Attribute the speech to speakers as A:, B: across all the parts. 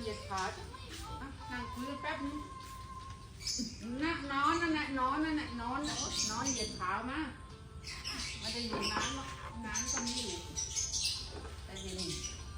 A: เหยียดขานั่งคุยกันแป๊บนึงนั่งนอนนั่นแหละนอนเหยียดขามาไม่ได้อยู่น้ำหรอกน้ำก็มีอยู่แต่เย็น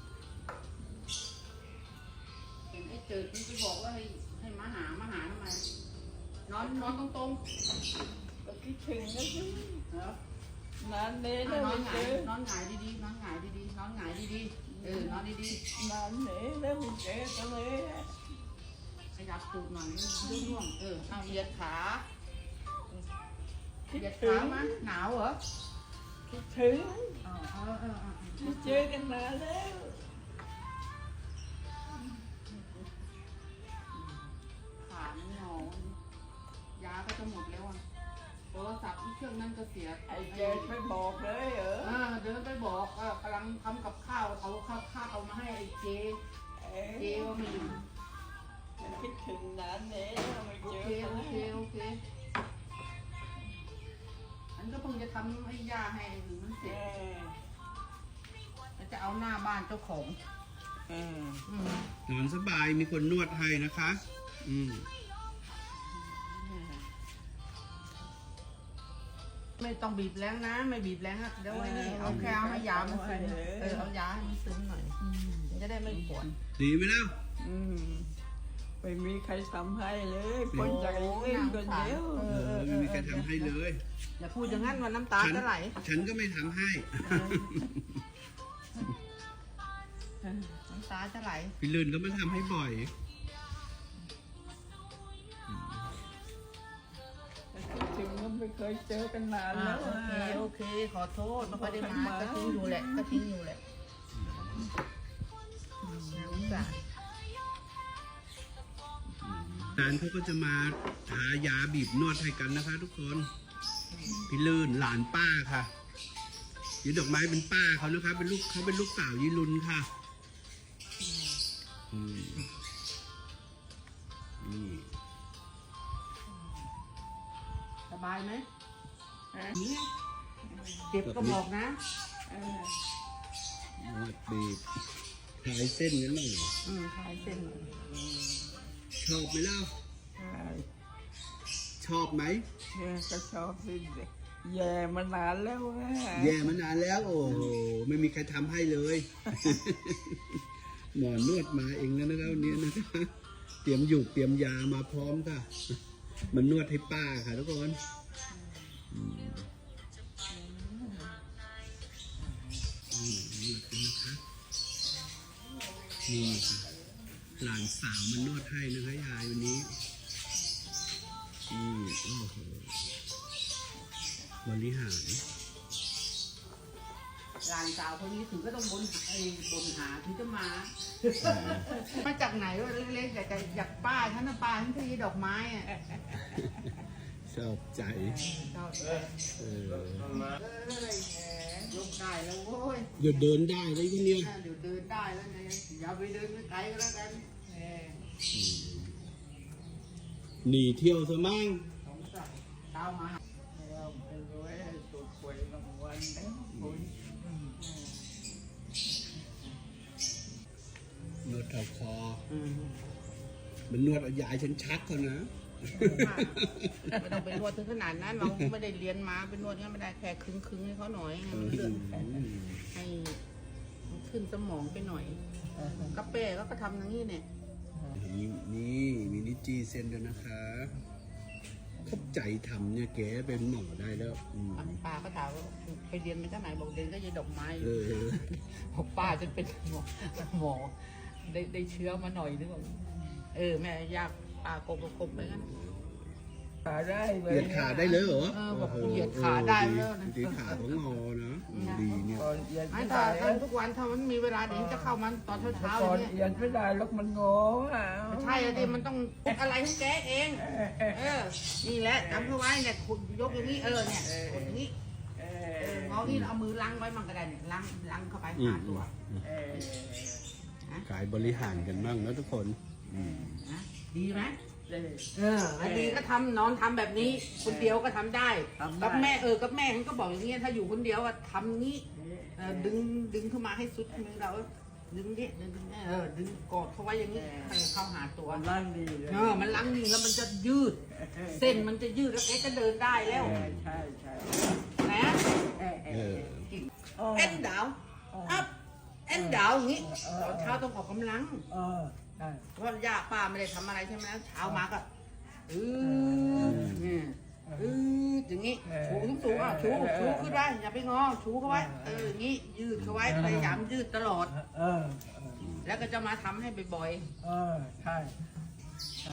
A: เห็นไอ้เจิดมันไปบอกว่าให้มาหาทำไมนอนตรงๆ
B: ก็คิดถึงนะสิ
A: เหรอน
B: านเลย
A: นอ
B: แล้วไม่เจอน
A: อนหงายดีๆนอนหงายดีๆนอนหงายดีๆนอนดี
B: นานเลยแล้วไม่เจอกันเลย
A: ๆขยับตูดหน่อยร่วงเอาเหยียดขาเห
B: คิด
A: ยียด
B: ถึ
A: ขาง มาหนาวเหรอ
B: คิดถึง
A: เออ
B: ไม่เจอกันนานแล้ว
A: ขาไม่งอยาก็จะหมดแล้วอ่ะโทรศัพท์ที่เครื่องนั้นก็เสีย
B: ไอ้เจดไม่บอกเลยเหรอ
A: เดินไปบอกว่ากำลังทำกับข้าวเอาข้าวมาให้ไอ้เจว่าไม่อยู่
B: คิดถึงนานเลยแล้วไม่
A: โอ
B: เจอ
A: เค
B: กัน
A: โอ
B: เล
A: เค
B: ย
A: โอเคอันก็เพิ่งจะทำให้ย่าให้หรือมันเสร็จแล้วจะเอาหน้าบ้านเจ้าของ
C: นอนสบายมีคนนวดให้นะคะ
A: ไม่ต้องบีบแรงนะไม่บีบแรงนะเดี๋ยวไอ้นี่เอาแค่เอาให้ยามันซึมเอายาให้มันซึมหน่อยมันจะได้ไม่ปวด
C: ดีไหมแล้ว
B: ไม่มีใครทำให้เลยคนจากเล่นคนเดียว
C: ไม่มีใครทำให้เลย
A: อย่าพูดอย่างนั้นวันน้ำตาจะไหล
C: ฉันก็ไม่ทำให้
A: น้ำตาจะไหล
C: พี่ลื่นก็มาทำให้บ่อย
B: คิดถึงก็ไม่เคยเจอกันนานแล้ว
A: โอเคขอโทษไม่ค่อยได้มาก็ทิ้งอยู่แหละน้ำตา
C: ร้านเขาก็จะมาหายาบีบนวดให้กันนะคะ ทุกคน พี่ลื่นหลานป้าค่ะยีดอกไม้เป็นป้าเขานะคะเป็นลูกสาวยีรุนค่ะนี่
A: สบายไหมเจ็บก็บอกนะ
C: นวดบีบคลายเส้นกันหน่อย
A: คลายเส้น
C: ชอบไหมเล่าชอบไหม
B: ก็ชอบสิแย่มานานแล้ว
C: แย่มานานแล้ว โอ้โหไม่มีใครทำให้เลย หมอนวดมาเองแล้วนะครับวันนี้นะคะเตรียมยามาพร้อมค่ะมันนวดให้ป้าค่ะทุกคนนวดกันนะคะนี่ค่ะหลานสาวมันนวดให้นะคะยายวันนี้โอ้โหบริหาร
A: หลานสาวคนนี้ถึงก็ต้องบนหาถึงจะมามาจากไหนวะเล็กๆอยากป้าฉันนะป้าฉันที่ดอกไม้อ่ะ
C: ชอบใจ
A: ชอบ ยกได้แล้วโว้ย
C: เดี๋ยวเดินได้เลยทีเนี้ย
A: เดี๋ยวเดินได้แล้วไงอย่าไปเดินไกลก็แล้วกัน
C: หนีเที่ยวซะมั่ง
A: สงสัยเช้ามา
B: เป็นรวยตัวป่วยรางวัลนะคุณ
C: นวดเข่าคอมันนวดเอายายฉันชักเขานะ
A: ไม่ต้องไปนวดถึงขนาดนั้นเราไม่ได้เรียนมาเป็นนวดงั้นไม่ได้แค่คึงให้เขาหน่อยให้มันเลื่อนให้มันขึ้นสมองไปหน่อยกาแฟก็ทำอย่างนี้เนี่ย
C: นี่มีนิจีเซนด้วยนะคะเข้าใจทำเนี่ยแกเป็นหมอได้แล้ว
A: ป้าก็ถามว่าไปเรียนมาจากไหนบอกเรียนก็ยีดอกไม้
B: บอกป้าจะเป็นหมอได้เชื้อมาหน่อยนึกว่า
A: แม่ยากป้ากบไปงั้น
B: ขาได้
C: เหยียดขาได้เลยเหรอ
A: บอกเหยียดขาได้แล้วนะ
C: เหยียดขาของงอนะดีเนี่ย
A: ไม่ถ้าทำทุกวันถ้ามันมีเวลาเดี๋ยวจะเข้ามันตอนเช้า
B: ก่อน
A: เนี่ย
B: เหยียดไม่ได้แล้วมันงอ
A: ใช่ดิมันต้องอะไรของแกเองนี่แหละจำเข้าไว้เนี่ยขุดยกอย่างนี้เนี่ยขุดอย่างนี้งอนี่เอามือล้างไว้มันก็ได้เนี่ยล้างเข้าไปหาตัว
C: กายบริหารกันบ้างนะทุกคน
A: ดีไหมอันนี้ก็ทำนอนทำแบบนี้คนเดียวก็ทำได้กับแม่กับแม่มันก็บอกอย่างเงี้ยถ้าอยู่คนเดียวอะทำงี้ดึงขึ้นมาให้สุดมือเราดึงดิดึงดึงกอดเขาไว้อย่างนี้ให้เขาหาตัว
D: ร่างดีเลย
A: มันล้างนี่แล้วมันจะยืด เส้นมันจะยืดแล้วแกก็เดินได้แล้ว
D: ใช่ใช่
A: นะ
C: เออ
A: เอ็นดาวอัพเอ็นดาวอย่างนี้ตอนเช้าต้องออกกำลัง
D: ใช่
A: เพราะย่าป้าไม่ได้ทำอะไรใช่ไหมเช้ามาก็อย่างนี้ชูสูงชูขึ้นไว้อย่าไปงอชูเข้าไว้อย่างนี้ยืดเข้าไว้พยายามยืดตลอดแล้วก็จะมาทำให้บ่อย
D: ใช่